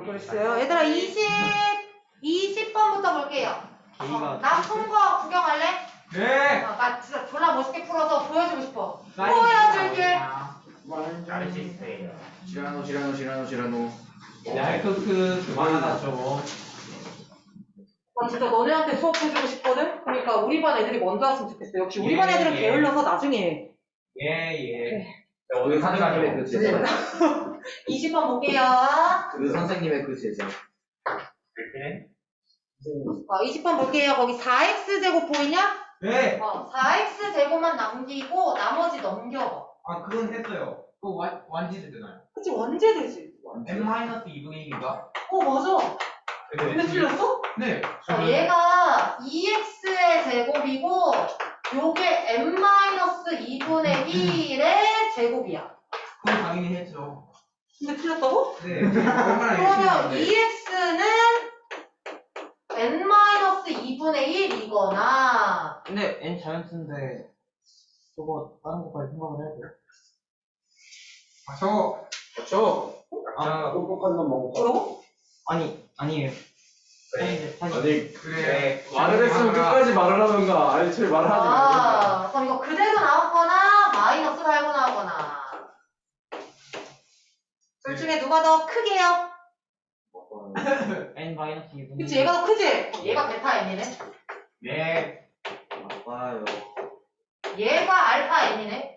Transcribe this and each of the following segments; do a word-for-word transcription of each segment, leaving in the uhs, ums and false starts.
글쎄요. 얘들아 이십, 이십 번부터 볼게요. 어, 나푼 거 구경할래? 네. 어, 나 진짜 졸라 멋있게 풀어서 보여주고 싶어. 보여줄게. 잘할 수 있어요. 시라노 시라노 시라노 시라노. 야이크크 그만하죠. 나 진짜 너네한테 수업해주고 싶거든? 그러니까 우리 반 애들이 먼저 왔으면 좋겠어. 역시 우리 반 애들은 예, 예. 게을러서 나중에 해. 예 예. 그 선생님의 그 제자. 이십 번 볼게요. 그 선생님의 그 제자. 그렇게? 어, 이십 번 볼게요. 거기 사 엑스 제곱 보이냐? 네. 어, 사 엑스 제곱만 남기고 나머지 넘겨봐. 아 그건 했어요. 그거 완 완지도 되나요? 그치, 언제 되지? n 마이너스 이분의 일인가? 어, 맞아. 근데 틀렸어? 네. 어, 얘가 이 엑스의 제곱이고 요게 n 마이너스 이분의 일의 제곱이야. 그건 당연히 했죠. 근데 틀렸다고? 네. 얼마나 열심히 그러면 하는데. 이 엑스는 n 마이너스 이분의 일이거나 근데 n 자연수인데 저거 다른 것까지 생각을 해야 돼요? 아, 저. 그렇죠. 아, 똑똑한 놈 먹고. 뭐라고? 아니 아니에요. 그래. 사실 아니 그래. 말을 했으면 끝까지 말을 하던가. 아니 저희 말을 하지 말고. 아, 그럼 이거 그대로 나왔거나 마이너스 달고 나오거나 둘 중에 누가 더 크게요? n 마이너스 이분의 그치, 얘가 더 크지? 그럼 얘가 베타 n이네. 네. 맞아요. 얘가 알파 n이네.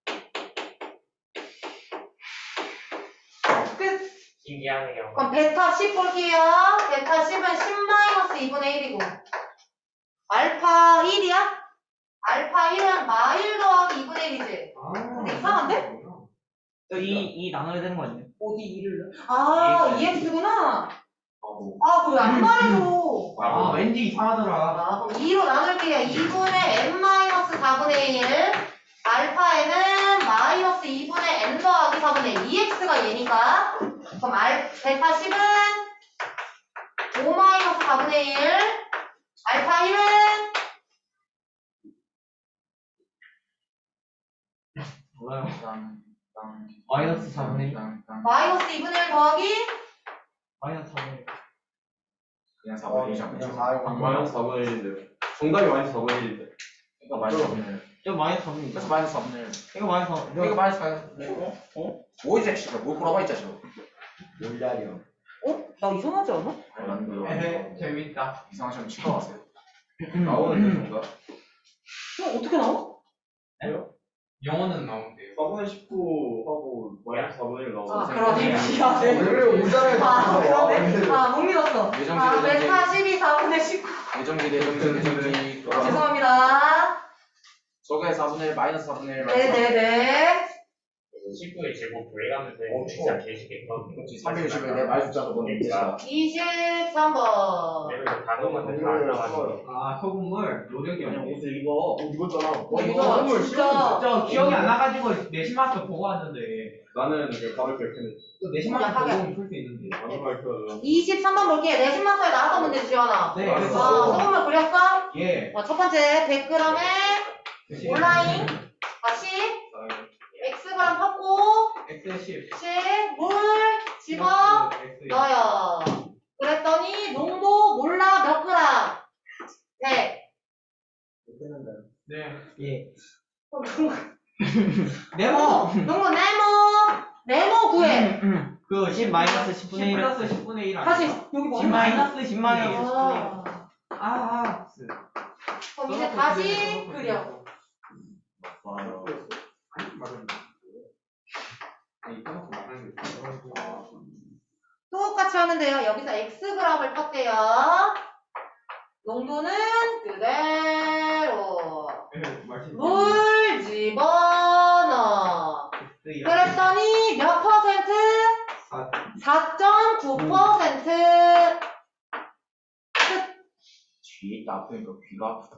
끝. 신기하네요. 그럼 베타 십 볼게요. 베타 십은 십 마이너스 이분의 일이고 알파 일이야? 알파 일은 마 일 더하기 이분의 일이지. 근데 이상한데? 이, 이 나눠야 되는 거 아니에요? 어디 이를 넣어? 아, 이 엑스구나. 바보. 아, 그거 왜 안 말해줘? 아 왠지 이상하더라. 아, 그럼 이로 나눌게요. 이분의 n 마이너스 사분의 일. 알파 n은 마이너스 이분의 n 더하기 사분의 일. 이 엑스가 얘니까. 그럼 알, 베타 십은 오 마이너스 사분의 일. 알파 일은 몰라요. 땅, 땅, 마이너스 사분의 일. 땅, 땅. 마이너스 이분의 일 더하기 마이너스 사분의 일. 그냥 사분의 일 잡고. 그냥 사 마이너스 사분의 일인데. 정답이 마이너스 사분의 일인데. 그러니까 마이너스 사분의 일. 저 마이너스 사분의 일. 그래서 마이너스 사분의 일. 이거 마이너스 사분의 일. 이거 마이너스 사분의 일. 어? 어? 뭐 이제 씨발 뭘 보라고 있자 저. 몰라요. 어? 나 이상하지 않아? 난 에헤 재밌다. 이상한 시험 치과 왔어요. 나오는데 정답. 어? 어떻게 나와? 영어는 나온대요. 사분의 십구 하고 마이너스 사분의 일 아, 나오고. 그러네. 미안해. 원래 오잖아요. 아, 그러네. 아, 못 믿었어. 예정지, 아, 예정지. 베타 십이 사분의 십구. 예정지 예정지 예정지. 아, 죄송합니다. 저게 사분의 일 마이너스 사분의 일. 네네네. 십구의 제곱 구해가면서 어, 진짜 추워. 개쉽겠거든요. 그렇지 삼백육십을 내 말숫자로 보내 있겠다. 이십삼 번. 내가 이거 단어만 다 알아가지고. 아 소금물 노력이 그냥 없네. 옷을 입어. 어 입었잖아. 어, 이거 이거 소금물 진짜. 저 기억이 안 나가지고 내신 마스터 보고 왔는데 나는 그 답을 결정했지. 또 내신 마스터 약하게. 보고 풀 수 있는데. 나는 발표하잖아. 이십삼 번 볼게요. 내신 마스터에 나왔던 문제 지원아. 네 아, 그래서 소금물 그렸어? 예. 어, 첫 번째 백 그램에 온라인 다시 X그램 섞고 엑스 십. 물 집어 넣어요. 그랬더니 농도 몰라 몇 그램? 백. 네. 예. 네모. 농도 네모. 네모 구해. 그 십 마이너스 십분의 일. 플러스 십분의 일. 다시 여기 뭐 십 마이너스 십 마이너스 십분의 일. 아, 아. 그럼 이제 다시 그려. 똑같이 하면 돼요. 여기서 X그램을 폈대요. 농도는 그대로. 물 집어넣어. 그랬더니 몇 퍼센트? 사 점 구 퍼센트. 뒤에 있다 아프니까 귀가 아프다.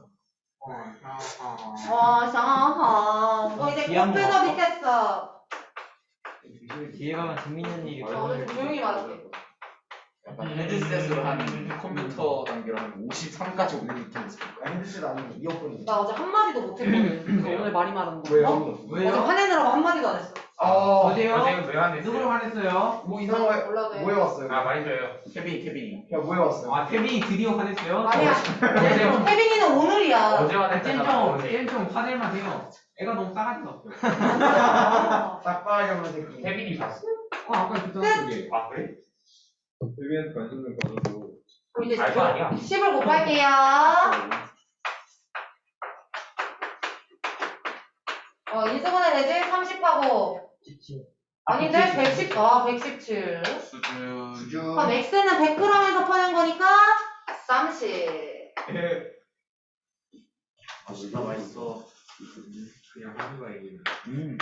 와, 샤하. 너 이제 귀한 거 꽃배가 같아? 밑했어. 뒤에 가면 재밌는 일이 어, 오늘 좀 조용히 말할게. 약간 헤드셋으로 한 컴퓨터 단계로 한 오십삼까지 오는 느낌이 있어. 핸드셋 아니고 이어폰이. 나 어제 한마디도 못했거든. 그래서 오늘 많이 말하는 거. 왜요? 어? 왜요? 어제 화내느라고 한마디도 안 했어. 어, 어제요? 어제 왜 화냈어요? 누구를 화냈어요? 뭐 이상한 거 몰라도 돼. 뭐해 왔어요? 아 많이 줘요. 케빈 케빈이. 야 뭐해 왔어요? 아 태빈이 드디어 화냈어요? 아니야. 어제 태빈이는 오늘이야. 어제 화냈잖아. 쨘좀 어제. 쨘좀 화낼만 해요. 애가 너무 싸가지가 없어요. 싹바하게 없는 새끼. 태빈이 봤어? 어 아까 그잖아 그게. 아 그래? 데뷔한테 관심 좀 가져고. 그럼 이제 알거 아니야? 십을 곱할게요. 어, 인수분해 되지? 삼십하고. 아닌데? 백십, 아, 백십칠. 수준. 주주. 그럼 X는 백 그램에서 퍼낸 거니까 삼십. 아 진짜 맛있어. 그냥 하는 거야 이게. 음.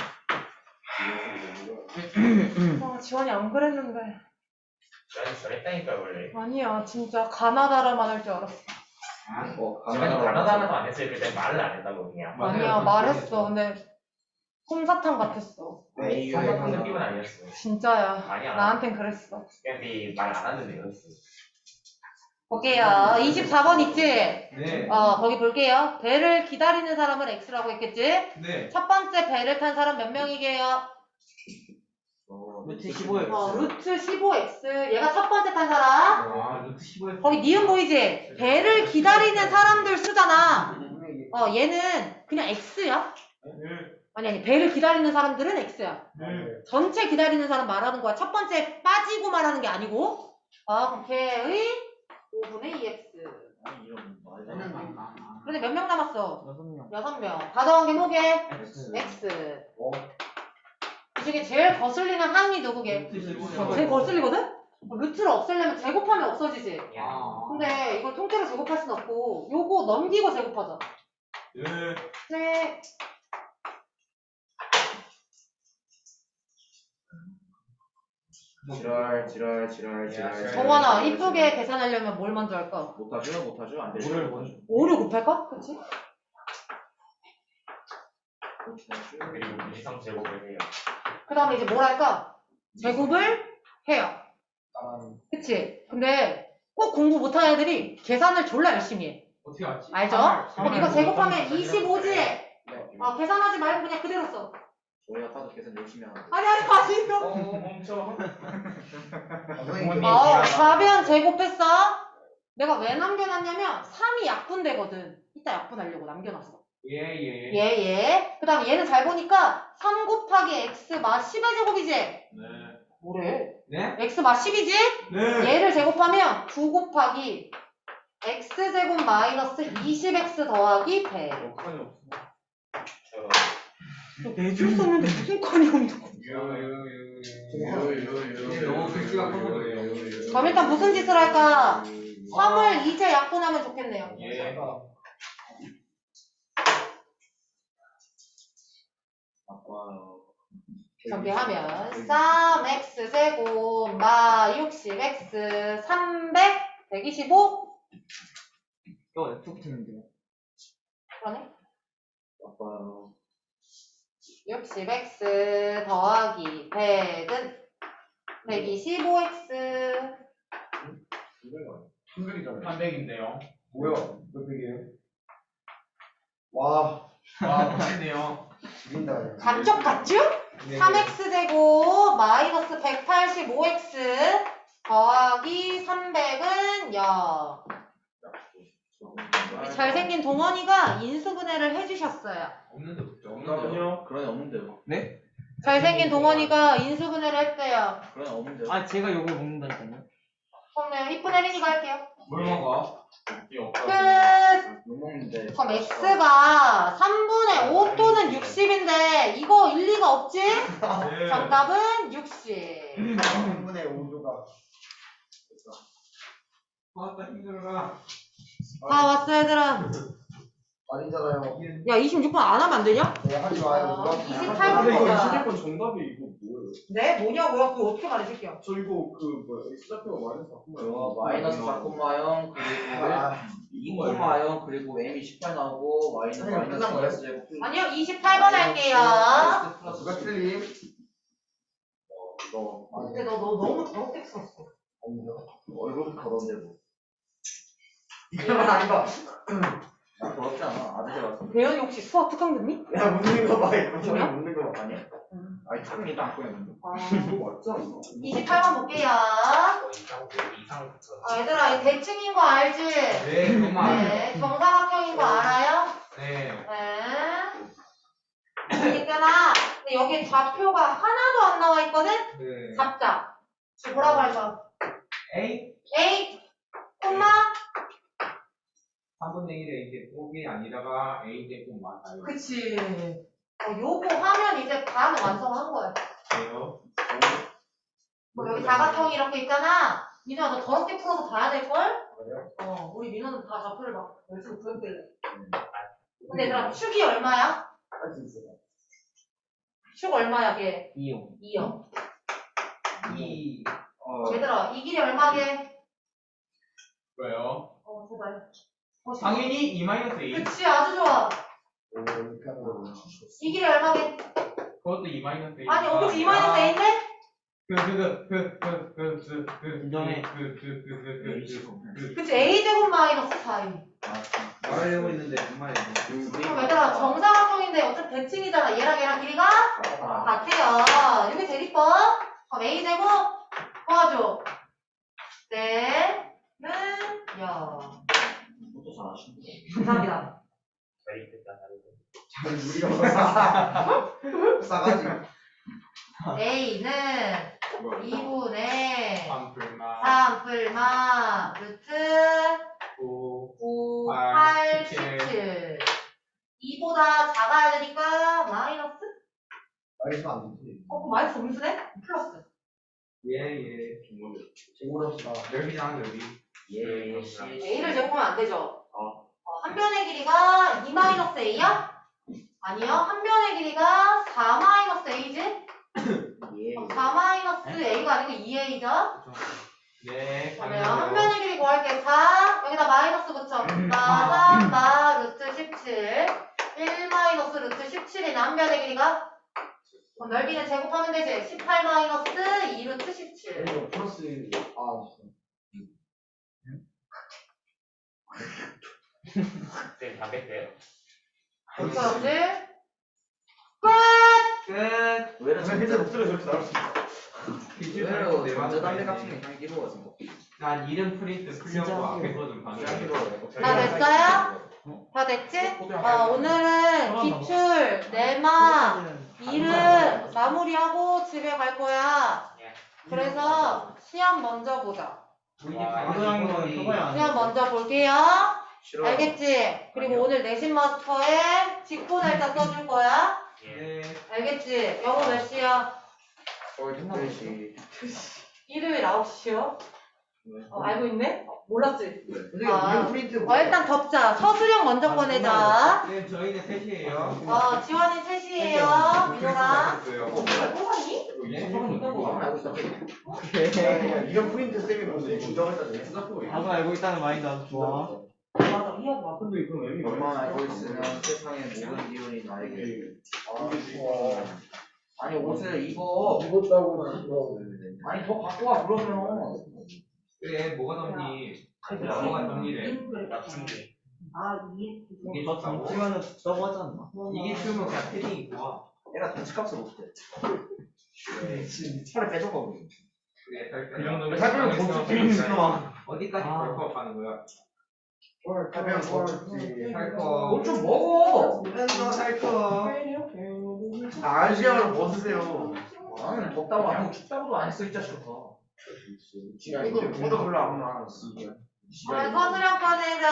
아, 지원이 안 그랬는데. 난 저랬다니까 원래. 아니야, 진짜 가나다라만 할 줄 알았어. 어 제가 가나다라도 안 했어요. 그때 말을 안 했다고 그냥. 아니야, 말했어. 근데 솜사탕 같았어. 네, 성격한 느낌은 아니었어. 진짜야. 아니야. 나한텐 그랬어. 근데 말 안 하는 애였어. 볼게요. 이십사 번 있지? 네. 어, 거기 볼게요. 배를 기다리는 사람을 X라고 했겠지? 네. 첫 번째 배를 탄 사람 몇 명이게요? 루트 십오 엑스. 어, 루트 십오 엑스. 얘가 첫 번째 탄 사람. 아 루트 십오 엑스. 거기 니은 보이지? 배를 기다리는 사람들 수잖아. 어, 얘는 그냥 X야. 아니, 아니, 배를 기다리는 사람들은 X야. 전체 기다리는 사람 말하는 거야. 첫 번째 빠지고 말하는 게 아니고. 어, 그럼 걔의 오분의 이 엑스. 그런데 몇 명 남았어? 여섯 명. 여섯 명. 다 더한 게 뭐게? X. X. 어? 이 중에 제일 거슬리는 항이 누구게? 루트 십오 어, 제일 거슬리거든? 루트를 없애려면 제곱하면 없어지지. 아. 근데 이걸 통째로 제곱할 순 없고 요거 넘기고 제곱하자. 네. 네. 지랄 지랄 지랄 지랄. 정원아, 이쁘게 계산하려면 뭘 먼저 할까? 못하죠 못하죠 안 되죠. 오를 먼저. 오를 곱할까? 그치? 그리고 무지성 제곱을 해요. 그 다음에 이제 뭘 할까? 제곱을 해요. 그치? 근데 꼭 공부 못하는 애들이 계산을 졸라 열심히 해. 어떻게 알지? 알죠? 그럼 이거 제곱하면 이십오지? 아, 계산하지 말고 그냥 그대로 써. 저희가 다들 계산 열심히 하는데. 아니, 아니, 아니, 이거. 어 멈춰. 어, 가변 제곱했어? 내가 왜 남겨놨냐면 삼이 약분되거든. 이따 약분하려고 남겨놨어. 예예. 얘, 얘. 그 다음에 얘는 잘 보니까 삼 곱하기 x 마 십의 제곱이지? 네. 뭐래? 네? x 마 십이지? 네. 얘를 제곱하면 구 곱하기 x제곱 마이너스 이십 엑스 더하기 백. 칸이 없어. 내줄 썼는데 무슨 칸이 없는 이게 너무 글씨가 커서 그래요. 그럼 일단 무슨 짓을 할까? 삼을 이제 약분하면 좋겠네요. 예. 아빠요. 정리하면 삼 엑스 제곱 마 육십 엑스 삼백 백이십오? 이거 F 붙였는데요. 그러네. 아빠요. 육십 엑스 더하기 백은 백이십오 엑스. 삼백인데요. 뭐야? 몇 백이에요? 와, 와 멋있네요. 죽인다. 감쪽 같죠? 네. 삼 엑스 제곱 마이너스 백팔십오 엑스 더하기 삼백은 영. 우리 잘생긴 동원이가 인수분해를 해주셨어요. 없는데 없죠. 없나요? 그런 애 없는데요. 네? 잘생긴 동원이가 인수분해를 했대요. 그런 애 없는데요. 아 제가 욕을 먹는다니까요. 그럼 이쁜 혜린이가 할게요. 뭘 먹어? 끝! 못 먹는데. 그럼 x가 삼분의 오 또는 육십인데 이거 일리가 없지? 네. 정답은 육십. 삼분의 오조가. 아따 힘들어라. 다 왔어 얘들아. 아니잖아요. 야 이십육 번 안 하면 안 되냐? 네, 하지 마요. 어, 누가 이십팔 하지 근데 이거 마요. 이십 번 정답이 이거 뭐예요? 네? 뭐냐고요? 그거 어떻게 말해줄게요? 저 이거 그 뭐야 X좌표가 마이너스 바꾸면 어, 마이너스 사 콤마영 그리고 아, 이 콤마영 그리고 m이 십팔 나오고 마이너스 선생님, 끝난 거예요? 마이너스 제곱 아니요 이십팔 번 할게요. 플러스 누가 틀림? 이거 근데 너, 너 너무 더럽게 썼어. 아니죠. 얼굴도 더러운데 뭐. 이거는 아니다. 나 더럽지 않아. 아들 봤어. 배현이 혹시 수학 특강 듣니? 야, 묻는 거 봐. 이거 뭐야? 묻는 거 봐. 아니야? 응. 아니 참 일단 안 꺼냈는데. 이거 맞잖아. 이십팔 번 볼게요. 어, 이상 이상부터. 아, 얘들아, 이 대칭인 거 알지? 네, 그만. 네. 정사각형인 거 알아요? 네. 네. 있잖아. 근데 여기 좌표가 하나도 안 나와 있거든? 네. 잡자. 지금 뭐라고 할까? A A, 콤마? 삼분의 일에 이제 곱이 아니다가 A 제곱 맞아요. 그치. 어, 요거 하면 이제 반은 완성한 거야. 그래요? 뭐 여기 사각형이 이렇게 있잖아. 민우야, 너 더럽게 풀어서 봐야 될걸? 그래요? 어, 우리 민우는 다 좌표를 막 열심히 구했길래. 근데 얘들아, 축이 얼마야? 할 수 있어요. 축 얼마야, 걔? 이요. 이요. 이 어. 얘들아, 이 길이 얼마게? 뭐요? 어, 제발. 어, 당연히 이 마이너스 A. 그치, 아주 좋아. 오, 이렇게 하는 거. 이 길이 얼마게? 그것도 이 마이너스 A. 아니, 어떻게 이 마이너스 A인데? 그그그그그그그 인정해. 그그그그그그 그치, A 제곱 마이너스 사 이. 말하려고 했는데 정말. 그럼 얘들아, 정사각형인데 어차피 대칭이잖아. 얘랑 얘랑 길이가 같아요. 이게 제일 이뻐. 그럼 A제곱 도와줘. 네. 는, 야. 또 잘하시네. 감사합니다. 저희 뜻다 다르고. 잘 우리가 싸가지. A는 이분의 삼풀마 삼 풀마 루트 구 구, 팔, 팔, 십칠. 십칠. 이보다 작아야 되니까 마이너스? 말해서 안 되지. 어, 그럼 마이너스 음수네? 플러스. 예예 제공합시다. 넓이잖아 넓이. 예. A를 제곱하면 안 되죠? 어. 어, 한 변의 길이가 이 마이너스 A야? 아니요. 한 변의 길이가 사 마이너스 A지? 예. 그럼 사 마이너스 A가 아니고 이 A죠? 네 그러면 한 변의 길이 구할게. 사, 여기다 마이너스 붙여. 마, 삼, 마, 루트 십칠. 일 마이너스 루트 십칠이네. 한 변의 길이가. 그럼 넓이는 제곱하면 되지. 십팔 마이너스 이 루트 십칠. 이거 플러스, 아, 쌤 담배 떼요. 어떻게 알았지? 끝! 끝. 왜 이렇게 진짜 목소리가 저렇게 나올 수 있어. 왜요? 전자 담배 같은 게 향기 먹어서 뭐. 난 이름 프린트 풀려고 앞에서 좀 향기 방해하게. 먹어요. 다 됐어요? 다 됐지? 어, 오늘은 기출, 내마, 이름 마무리하고 집에 갈 거야. 그래서 시험 먼저 보자. 시험 먼저 볼게요. 싫어. 알겠지? 그리고 오늘 내신 마스터에 직보 날짜 써줄 거야. 네. 알겠지? 영어 몇 시야? 거의 두 시. 일요일 아홉 시요? 어, 알고 있네? 어, 몰랐지? 선생님, 아. 이거 프린트 어, 일단 덮자. 서술형 먼저 꺼내자. 네 저희는 셋이에요. 어, 지원이 셋이에요. 민호랑. 됐어요. 또 하니? 예? 뭐 알고 있다. 이거 프린트 쌤이 뭔데 인정했다네. 나도 알고 있다는 마인드 아주 좋아. 맞아, 이해하지 마. 근데 이건 의미 얼마나 알고 있으면 세상의 모든 기운이 나에게. 아, 아니 옷을 입어. 입었다고 아니 더 갖고 와 그러면. 그래 뭐가 덥니? 뭐가 덥니래. 납충기. 아, 이해. 이게 너 좋다고? 던지면은 저거 하지 않나? 이게 추우면 그냥 패딩 입고 와. 얘가 던치값을 못해. 차를 뺏어가 버려. 그래 그 정도면 설명 상황에서 못 그냥 쓰겠어. 어디까지 아. 벌컥 하는 거야? 뭘 가면 뭘지. 살거. 뭐좀 먹어. 맨날 살거. 아시아를 벗으세요. 나는 덥다고 안 하고 춥다고도 안 했어 이 자식아. 이거 저도 별로 안 나. 아, 서술형 꺼내자.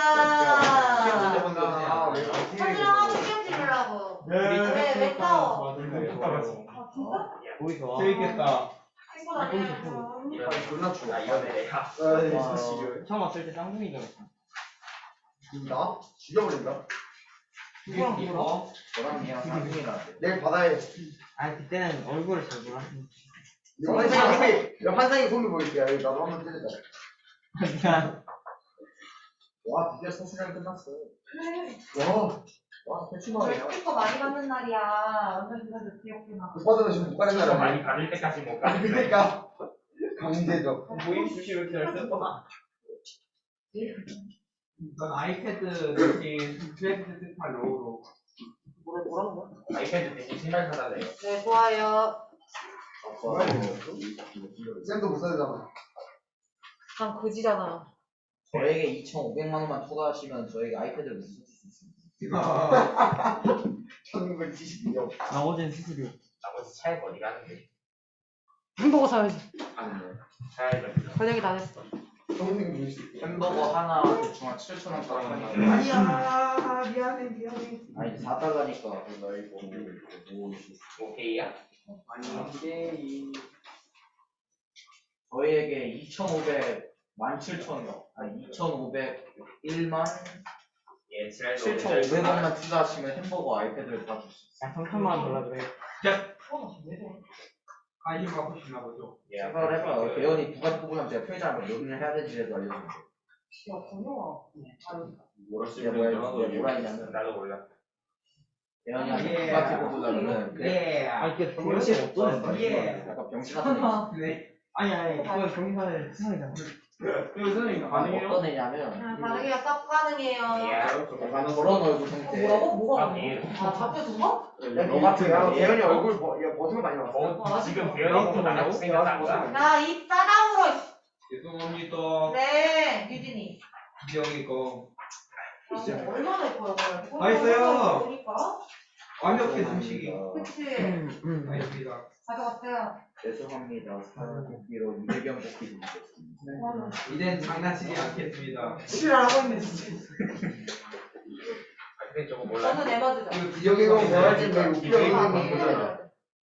아, 왜 서술형 하고 시험 지르려고. 왜, 왜 싸워? 아, 진짜? 보기 좋아. 재밌겠다. 친구 다녀야죠. 존나 추워. 아 이거네. 아, 처음 왔을 때 쌍둥이 들었어. 나? 죽여버린다. 누구랑 누구랑? 너랑 얘랑 상중이 나한테. 내일 바다에 아니 그때는 얼굴을 잘 몰라. 환상이 손이, 야, 환상이 손을 보일게. 야, 나도 한번 때리자. 그냥 와, 드디어 서술형 끝났어. 와, 와, 대충하네요. 스티커 많이 받는 날이야. 완전 그래도 귀엽구나. 못 받으면 지금 못 가는 시험 거야. 많이 받을 때까지 못 가는 거야. 그러니까. 강제적. 모임 수시로 잘 썼구나. 넌 아이패드 대신 플래시드 스파 로우로. 뭐라, 뭐라는 거야? 아이패드 대신 신발 사달래요. 네, 좋아요. 뭐야, 쌤도 못 사잖아. 난 그지잖아. 저에게 이천오백만 원만 투자하시면 저에게 아이패드를 무슨 수 있습니다. 천구백칠십이요. 나머지는 수수료. 나머지 차이가 어디 가는데? 햄버거 사야지. 아니네. 차이가 번역이 다 됐어. 선생님 주실 수 햄버거 하나 대충 한 칠천 원 값 하니까. 아니야, 미안해, 미안해. 아니 사 달러니까 그거 이거 뭐 오케이야? 아니 이게 저희에게 이천오백만 칠천 원 아니 이천오백일만 예, 지랄 칠천오백 원만 투자하시면 햄버거 아이패드를 다 줄 수 있어요. 삼천만 원 달라 그래. 관심 갖고 싶나 보죠. 예, 생각을 해봐요. 대현이 두 가지 뽑으면 제가 편의점을 몇 년을 해야 되지라도 알려주면 돼요. 야, 번영아. 뭐라 이게 뭐야, 이게 뭐라 예, 했냐면 나도 몰라. 대현이한테 두 가지 뽑으려면은 예. 아 이게 병신 어떤 예. 약간 병신 같은 애. 네. 아니 아니 그건 병신의 세상이잖아. 이거 선생님 가능해요? 어떤 애냐면 아, 가능해요. 싹 가능해요. 예. 약간 저런 얼굴 상태. 뭐라고? 뭐가 아, 가능해? 예. 아, 잡혀준 거? 야, 너 같은 야, 애. 대현이 얼굴 버, 야, 버튼 많이 나왔어. 어, 지금 배현이 나랑 생겼다. 나 입 싸다물어. 죄송합니다. 네, 유진이. 기영이 거 아, 뭐 얼마나 예뻐요, 그래. 맛있어요. 보니까. 완벽해 음식이. 그치. 음. 아닙니다. 가져갔어요. 죄송합니다. 사연 뽑기로 이대경 뽑기 드리겠습니다. 이젠 장난치지 않겠습니다. 실화하고 있네, 진짜. 아, 근데 저거 몰라. 저는 에머드죠. 기억이 뭐 할지 왜 웃겨, 기억이 아, 뭐 이름이. 보잖아. 에머드.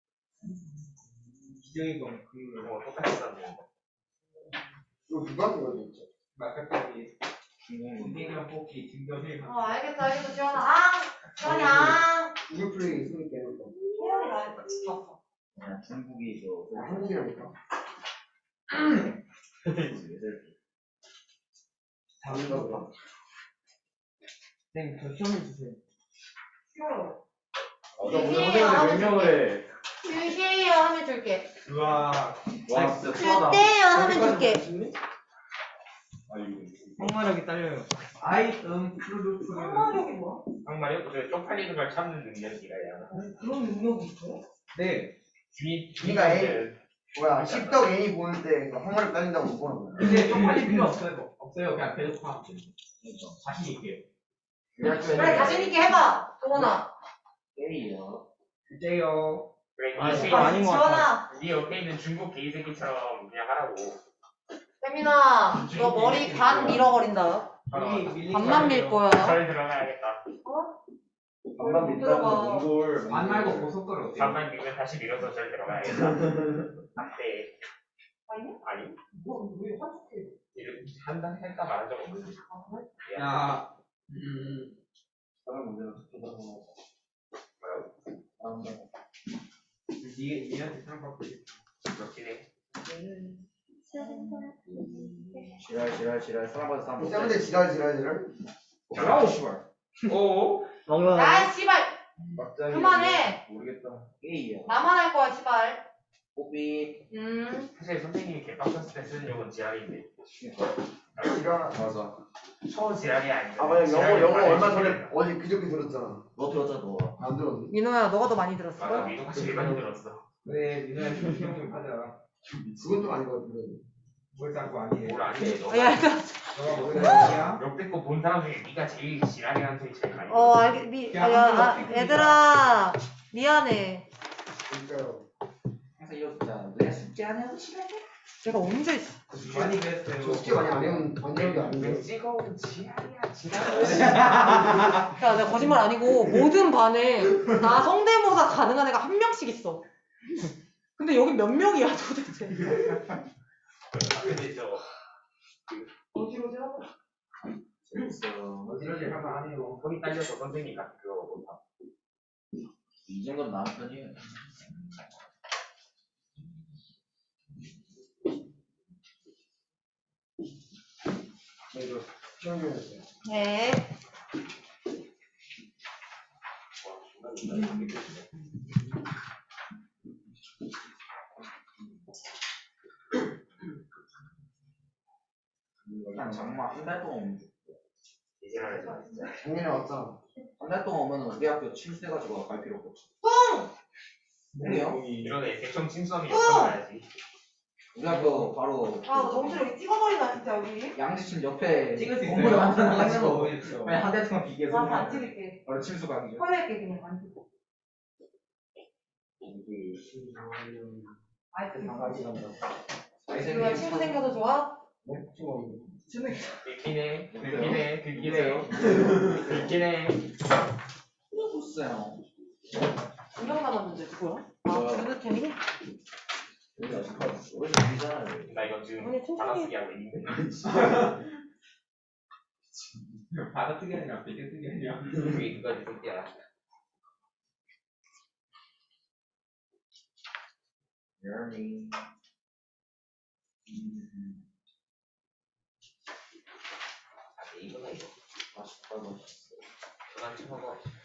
기영이 거 그. 뭐 똑같이 썼네. 이거 누가 쓴 거지, 진짜? 마카까지 중국인. 김대경 뽑기 김정일. 어, 알겠어, 알겠어. 지원아, 앙! 지원이 앙! 구글 플레이 있으니까 해볼까? 태연이 나 봤어. 그냥 중국이 저 아, 한국이라니까. 다른가 보다. 선생님 저 시험해 주세요. 싫어요. 너 오늘 선생님한테 몇 명을 해? 유시에요 하면 줄게. 우와. 와 진짜 수하다. 줄게요 하면 줄게. 아 이거 항마력이 딸려요. 아이템 프로듀스. 상마력이 뭐야? 정말요? 그 쪽팔리는 걸 참는 능력이라야. 그런 능력이 있어요? 네. 주인 그러니까 주인한테 뭐야, 십덕 애니 보는데 항마력 딸린다고 못 보는 거야. 근데 쪽팔릴 필요 없어요. 없어요. 그냥 계속 하면 돼요. 자신 있게. 그래, 자신있게 해봐. 동원아. 게이요. 이제요. 그래 아, 이 진짜 아닌 것 같아. 지원아. 네 옆에 있는 중국 개이새끼처럼 그냥 하라고. 세민아, 너 머리 반 밀어버린다. 반만 밀 거야. 절 들어가야겠다. 반만 못 민다고 들어가. 몽골 안 말고 고속도로 어때요? 반만 밀면 다시 밀어서 절 들어가야겠다. 안돼. 아니야? 아니? 너왜 화촉해? 한다 할까 말한 적 없는데. 야. 음. 다른 문제는 니 니한테 상관없고. 그렇긴 해. 지랄 지랄 지랄 사람마다 사람. 쌤한테 지랄, 지랄, 지랄. 뭐라고 씨발. 오. 먹는 야, 씨발. 막장이 그만해. 모르겠다. 게이요. 나만 할 거야, 씨발. 뽀삐. 음. 사실 선생님이 개빡쳤을 때 쓰는 용은 지랄인데. 지랄. 맞아. 초 지랄이 아닌데. 아, 맞아. 영어, 지랄이 영어 많이 얼마 전에, 쓰는 어제 그저께 들었잖아. 너 들었잖아 너. 안 들었니? 민호야, 너가 더 많이 들었어. 맞아, 미국 확실히 많이 들었어. 왜 니네 신경 좀 하자. 그건 좀 아닌 것 같은데. 뭘 자꾸 아니해. 뭘 아니래, 너. 야, 이거. 너가 뭔 말이야? 역대급 본 사람 중에 네가 제일 지랄이라는 소리 제일 많이 어, 들었어. 알겠, 미, 아, 야, 아, 얘들아. 미안해. 그러니까요. 항상 이러고 있잖아. 내가 숙제 안 해도 싫어해. 내가 언제 있어? 많이 그랬어요. 저 숙제 많이 안 해면 안 되는 게 아닌데. 왜 찍어온 지랄이야, 지랄. 야, 내가 거짓말 아니고 모든 반에 나 성대모사 가능한 애가 한 명씩 있어. 근데 여기 몇 명이야 도대체? 근데 저 어디로 지라고? 재밌어. 어디로 하면 안 해요. 손이 딸려서 선생님 같은 그거 못하. 이 정도는 나은 편이에요. 네, 이거 시험 중이었어요. 네. 그냥 장마 한 달 동안 오면 이 지랄하지 마, 진짜. 작년에 왔잖아. 한 달 동안 오면 우리 학교 침수해가지고 갈 필요 없어. 뭐예요? 이러네 백점 침수함이 어! 역전해야지. 우리가 그 바로 아 너무 여기 찍어버리나 진짜 여기. 양지춘 옆에 찍을 수 있어요. 건물 찍는 거 만들어가지고 보여주세요. 그냥 한 대통령 비계서 아, 안 찍을게. 바로 침수 가기죠. 헐낼게 그냥 안 찍고. 아이스. 이거 친구 생겨서 좋아? 긁기네 긁기네 긁기네 긁기네. 좋았어요. 두명 남았는데 누구야? 아 뭐야? 주드캔이? 나 이거 지금 아니, 천천히. 받아쓰기 하고 있는데. 받아쓰기 아니라 베개쓰기 아니야. 그게 그거지 새끼야. 열미. 아 이거가 이거. 맛있다 맛있어. 그만 쳐먹어.